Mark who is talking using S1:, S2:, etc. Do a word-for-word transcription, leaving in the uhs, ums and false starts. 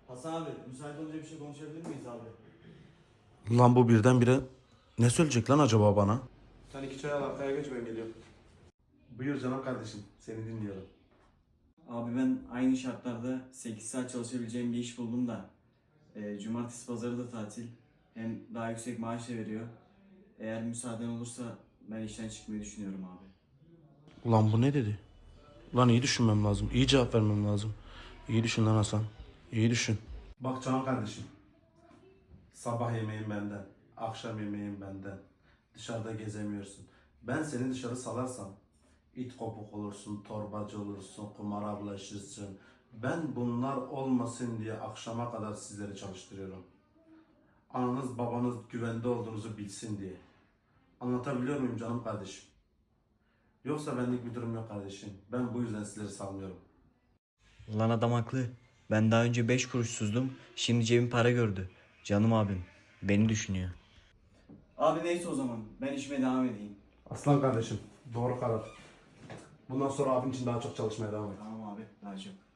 S1: Hasan abi, müsait olunca bir şey konuşabilir miyiz abi?
S2: Lan bu birdenbire ne söyleyecek lan acaba bana?
S3: Sen iki çay al arkaya geç ben geliyorum.
S2: Buyur canım kardeşim, seni dinliyorum.
S1: Abi ben aynı şartlarda sekiz saat çalışabileceğim bir iş buldum da e, cumartesi pazarı da tatil. Hem daha yüksek maaş da veriyor. Eğer müsaaden olursa ben işten çıkmayı düşünüyorum abi.
S2: Ulan bu ne dedi? Ulan iyi düşünmem lazım, iyi cevap vermem lazım. İyi düşün lan Hasan, iyi düşün. Bak canım kardeşim, sabah yemeğin benden, akşam yemeğin benden. Dışarıda gezemiyorsun. Ben seni dışarı salarsam, it kopuk olursun, torbacı olursun, kumara bulaşırsın. Ben bunlar olmasın diye akşama kadar sizleri çalıştırıyorum. Ananız babanız güvende olduğunuzu bilsin diye. Anlatabiliyor muyum canım kardeşim? Yoksa benlik bir durum yok kardeşim. Ben bu yüzden sizleri salmıyorum.
S1: Lan adam haklı. Ben daha önce beş kuruşsuzdum. Şimdi cebim para gördü. Canım abim. Beni düşünüyor. Abi neyse o zaman. Ben işime devam edeyim.
S2: Aslan kardeşim, doğru karar. Bundan sonra abin için daha çok çalışmaya devam et.
S1: Tamam abi. Daha çok.